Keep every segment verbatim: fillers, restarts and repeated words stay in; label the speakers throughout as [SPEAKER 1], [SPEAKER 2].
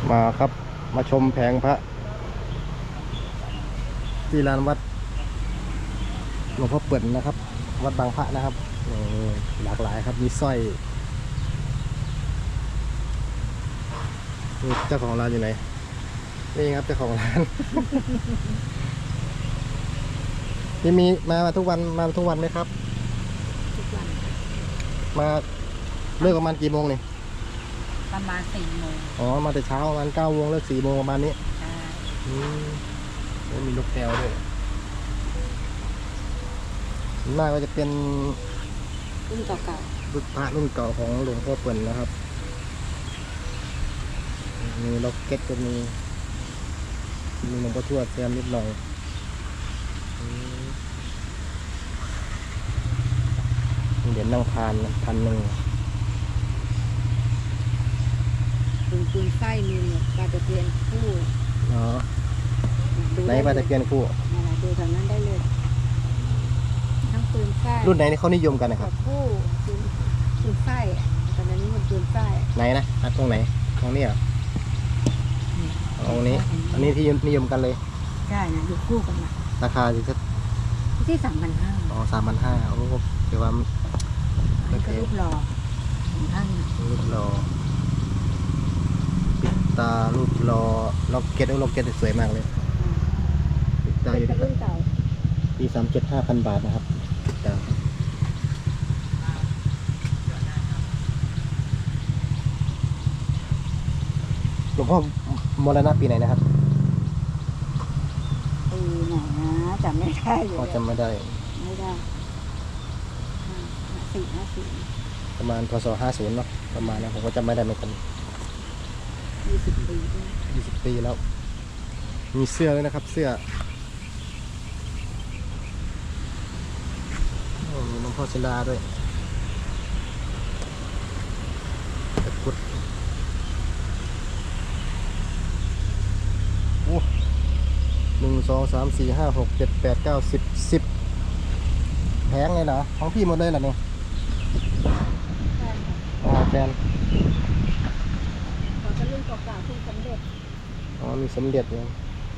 [SPEAKER 1] มาครับมาชมแผงพระที่ลานวัดหลวงพ่อเปิ่นนะครับ วัดบางพระนะครับหลากหลายครับมีสร้อยเจ้าของร้านอยู่ไหนนี่ครับเจ้าของร้าน นี่มีมามาทุกวันมาทุกวันไหมครับ
[SPEAKER 2] ทุกวัน
[SPEAKER 1] มาเลิกประมาณกี่โมงนี่
[SPEAKER 2] ประมาณสี่โมง
[SPEAKER 1] อ๋อมาแต่เช้าประมาณเก้าโมงเลิกสี่โมงประมาณนี้
[SPEAKER 2] ใช่
[SPEAKER 1] อืมแล้วมีลูกแก้วด้วยหน้าก็จะเป็น
[SPEAKER 2] รุ่นเก่า
[SPEAKER 1] ๆรุ่นพระรุ่นเก่าของหลวงพ่อเปิ่นนะครับมีล็อกเก็ตก็มีมีหลวงพ่อทวดแซมนิดหน่อยเหรียญนั่งพานพันหนึ่ง
[SPEAKER 2] ปืนปืนไส้มีเนี่ยปลาตะเพียนคู่
[SPEAKER 1] อ๋อไหนปลาตะเพียนคู่
[SPEAKER 2] ดูแถวนั้นได้เลยทั้งปืนไส้
[SPEAKER 1] รุ่นไหนที่เขานิยมกันนะครับ
[SPEAKER 2] คู่ปืนปืนไส้ตอนนี้มันปืนไส้
[SPEAKER 1] ไหนนะตรงไหนตรงนี้เหรอตรงนี้อันนี้ที่นิยมกันเลย
[SPEAKER 2] ใช่นะอยู่คู่กันนะ
[SPEAKER 1] ราคาอยู่
[SPEAKER 2] ที่สามพันห้า
[SPEAKER 1] อ๋อสามพันห้าโอ้ถือว่า
[SPEAKER 2] มันก็รูปหล่อของท่าน
[SPEAKER 1] รูปหล่อปิดตารูปหล่อล็อกเก็ตล็อกเก็ตสวยมากเลยปิดตาอยู่ที่ปีสามเจ็ดห้าพันบาทนะครับปิดตาหลวงพ่อมรณะปีไหนนะครับ
[SPEAKER 2] ปีไหนนะจำไม่ได้เลย
[SPEAKER 1] พ่อจำไม่ได้
[SPEAKER 2] ไม่ได้สี่ห้าสี่
[SPEAKER 1] ประมาณพศห้าศูนย์เนาะประมาณนั้นผมก็จำไม่ได้เหมือนกัน
[SPEAKER 2] ยี่สิบปี
[SPEAKER 1] ยี่สิบปีแล้วมีเสื้อเลยนะครับเสื้อมีหลวงพ่อศิลาด้วยตะกุดโอ้หนึ่งสองสามสี่ห้าหกเจ็ดแปดเก้าสิบสิบแพงเลยเหรอของพี่หมดเลยเหรอเนี่ยอ๋อแฟน
[SPEAKER 2] เขาจะรุ่นเก่าๆที่สำเร็จ
[SPEAKER 1] อ๋อมีสมเด็จเลย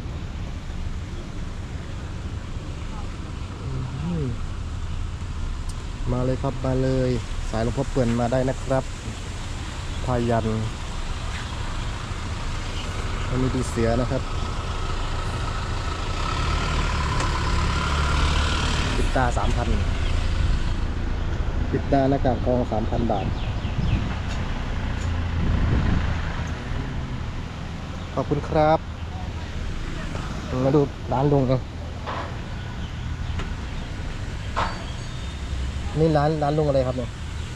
[SPEAKER 1] มาเลยครับมาเลยสายหลวงพ่อเปิ่นมาได้นะครับพายันอันนี้ดีเสือนะครับปิดตาสามพันปิดตาหน้ากากทองสามพันบาทขอบคุณครับมาดูร้านลุงเองนี่ร้านร้านลุงอะไรครับเนี่ย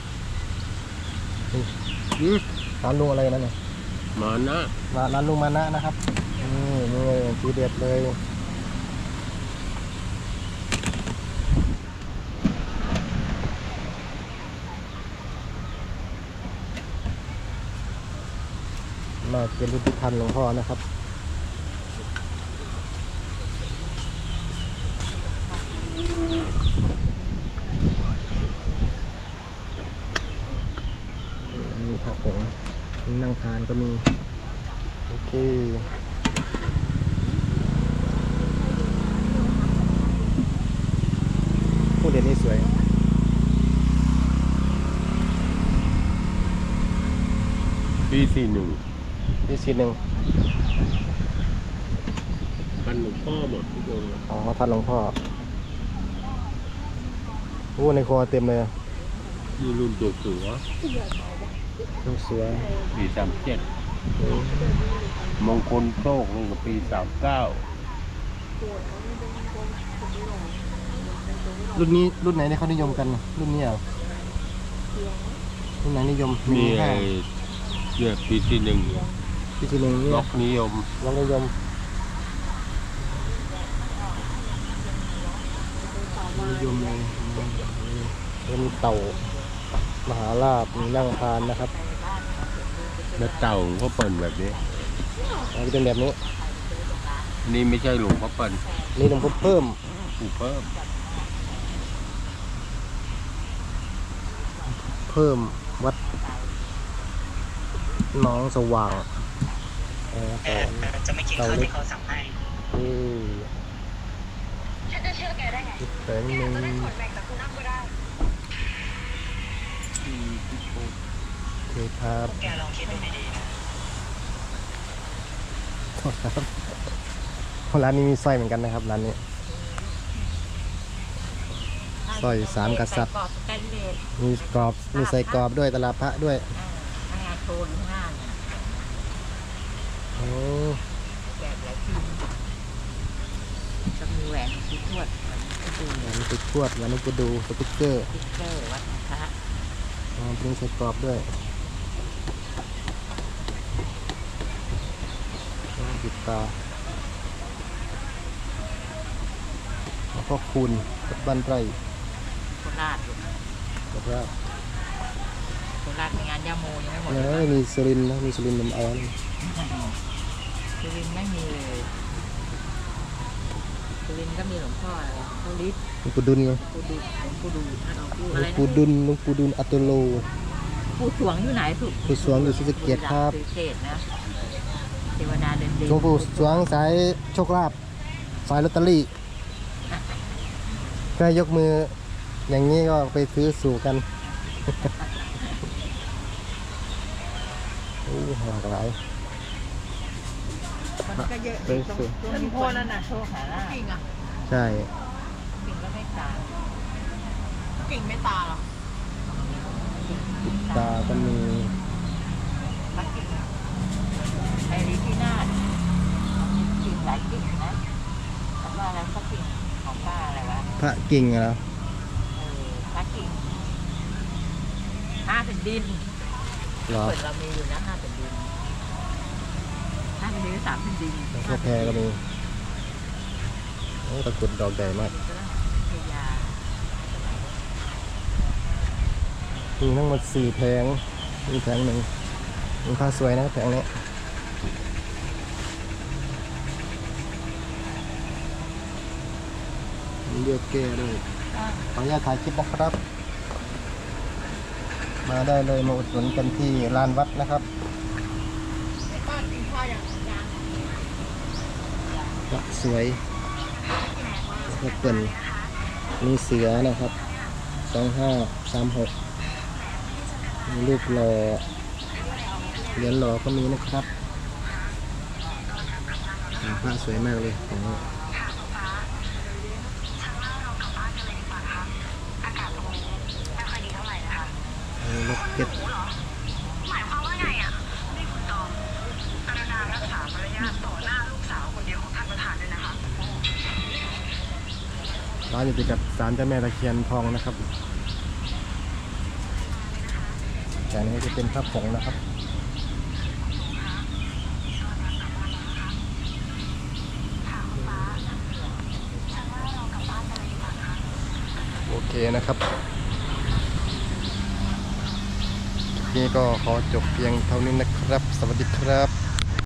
[SPEAKER 1] ร้านลุงอะไรนั่นเนี่ย
[SPEAKER 3] มานะ
[SPEAKER 1] ร้านร้านลุงมานะนะครับนี่นี่ทีเด็ดเลยมาเป็นรุ่นที่พันหลวงพ่อนะครับมีผักผงนั่งทานก็มีโอเคผู้เด่นนี่สวย
[SPEAKER 3] ปีสี่หนึ่ง
[SPEAKER 1] ที่สีหนึ่ง
[SPEAKER 3] พันหลวงพ่อหมดทุกองค์
[SPEAKER 1] อ๋อทันหลวงพ่อโอ้ในคอเต็มเลย
[SPEAKER 3] นี่รุ่นตัวเสือ
[SPEAKER 1] ลูกเสือ
[SPEAKER 3] ปีสามเจ็ดมงคลโชคนี่ก็ปีสามเก้า
[SPEAKER 1] รุ่นนี้รุ่นไหนที่เขานิยมกันรุ่นนี้เหรอรุ่นไหนนิยม
[SPEAKER 3] มีไอ้เนี่ยปีที่หนึ่ง
[SPEAKER 1] ปีที่หนึ่ง
[SPEAKER 3] ล็อกนิยม
[SPEAKER 1] ล็อกนิยมนิยมเลยแล้วมีเต่ามหาลาภมีนั่งพานนะครับ
[SPEAKER 3] แล้วเต่าก็เปิดแบบนี้
[SPEAKER 1] อันนี้เป็นแบบนี้
[SPEAKER 3] นี่ไม่ใช่หลวงพ่อเปิล
[SPEAKER 1] นี่หลวงพ่อเพิ่ม
[SPEAKER 3] ปู่เพิ่ม
[SPEAKER 1] เพิ่มวัดหนองสว่างเออ
[SPEAKER 4] แต่
[SPEAKER 1] ต่อ
[SPEAKER 4] แต่จะไม่กินข้าวที่เขาสั่งให้
[SPEAKER 1] นี่
[SPEAKER 2] ฉันจะเชื่อแกได้ไง
[SPEAKER 1] อีกแสงหนึ่ง
[SPEAKER 2] จะได้ขนแบ่งจากคุณน้ำก็ได้
[SPEAKER 1] โอเคครับ
[SPEAKER 4] พวกแกลองคิดดูดีๆนะ
[SPEAKER 1] โทษครับร้านนี้มีสร้อยเหมือนกันนะครับร้านนี้สร้อยสามกษัตริย์
[SPEAKER 5] กรอบสแตนเลส
[SPEAKER 1] มีกรอบมีใส่กรอบด้วยตลาดพระด้วย
[SPEAKER 5] อ่าข้างในโทนข้างหน้าเนี่ย
[SPEAKER 1] โอ้
[SPEAKER 5] แกะหลายทีจะมีแหวนสีทวดแหวนสีดู
[SPEAKER 1] อันนี้ไปทวดวันนี้ก็ดูสติ๊กเกอร์
[SPEAKER 5] สติ๊กเกอร์วัดพระ
[SPEAKER 1] อ๋อเป็นใส่กรอบด้วยปิดตาแล้วก็คูณกับบ้านไร่
[SPEAKER 5] โคราชลูก
[SPEAKER 1] แล้วก็
[SPEAKER 5] โคราชในงานยาโมยังไม่หมด
[SPEAKER 1] เน
[SPEAKER 5] เลย
[SPEAKER 1] ยมีสุรินทร์นะมีสุรินทร์ลำออน
[SPEAKER 5] สุรินทร์ไม่มีเลยสุรินทร์ก็มีหลวงพ่ออะไรหลวงพ่อฤทธิ์
[SPEAKER 1] หลวงปู่ดุลไง
[SPEAKER 5] ปู่ดูหลวงปู่ดูถ้าเราพูด
[SPEAKER 1] หล
[SPEAKER 5] อะ
[SPEAKER 1] ว
[SPEAKER 5] ไรง นะ
[SPEAKER 1] ปู่ดุลหลวงปู่ดุลอัตโตโล
[SPEAKER 5] ปู่สวงอยู่ไหนถูก
[SPEAKER 1] ปู่สวงอยู่ศรีสะเกษครับ
[SPEAKER 5] ศรีสะเกษนะเทวดาเดินดิน
[SPEAKER 1] หลวงปู่สวงสายโชคลาภสายลอตเตอรี่แค่ยกมืออย่างนี้ก็ไปซื้อสู่กัน โอ้หลากหลาย
[SPEAKER 5] มันก็เยอะ
[SPEAKER 1] ไป
[SPEAKER 5] ตรง
[SPEAKER 1] สู่
[SPEAKER 5] ตรงนี้โพนั่นน่ะโชคหาลาภกิ่งอ่ะ
[SPEAKER 1] ใช่
[SPEAKER 5] กิ่งก็ไม่ตาย
[SPEAKER 2] กิ่งไม่ตาหรอ
[SPEAKER 1] ตาก็มี
[SPEAKER 5] ปักกิ่งไอ้ลิที่นาดกิ่งหลายกิ่งนะแต่ว่าอะไรสักกิ่งของป้าอะไรวะ
[SPEAKER 1] พระกิ่งเหรอ
[SPEAKER 5] เออปักกิ่งห้าแผ่นดิน
[SPEAKER 1] เหรอ
[SPEAKER 5] เปิดเรามีอยู่นะห้าแผ่นดินห้าแผ่นดินหรือสามแผ่นดิน
[SPEAKER 1] แล้วก็แพรก็มีโอ้ตะกรุดดอกใหญ่มาก
[SPEAKER 5] ก็ได้พยา
[SPEAKER 1] มีทั้งหมดสี่แผงมีแผงหนึ่งมีค่าสวยนะแผงนี้มีเลือกแก้ด้วยขออนุญาตถ่ายคลิปนะครับ มาได้เลยมาอุดหนุนกันที่ลานวัดนะครับ
[SPEAKER 2] บ้านกินข้าวอย่างยัง
[SPEAKER 1] วัดสวยแล้วก็เปิ่นมีเสือนะครับสองห้าสามหกมีรูปหล่อเหรียญหล่อก็มีนะครับพระสวยมากเลยของนี้มีล็อกเก็ต
[SPEAKER 2] หมายความว่าไงอ่ะนี่คุณตองกรุณารักษามารยาทต่อหน้าลูกสาวคนเดียวของท่านประธานด้วยนะคะ
[SPEAKER 1] ร้านอยู่ติดกับศาลเจ้าแม่ตะเคียนทองนะครับแต่อันนี้จะเป็นพระผงนะครับโอเคนะครับคลิปนี้ก็ขอจบเพียงเท่านี้นะครับ สวัสดีครับ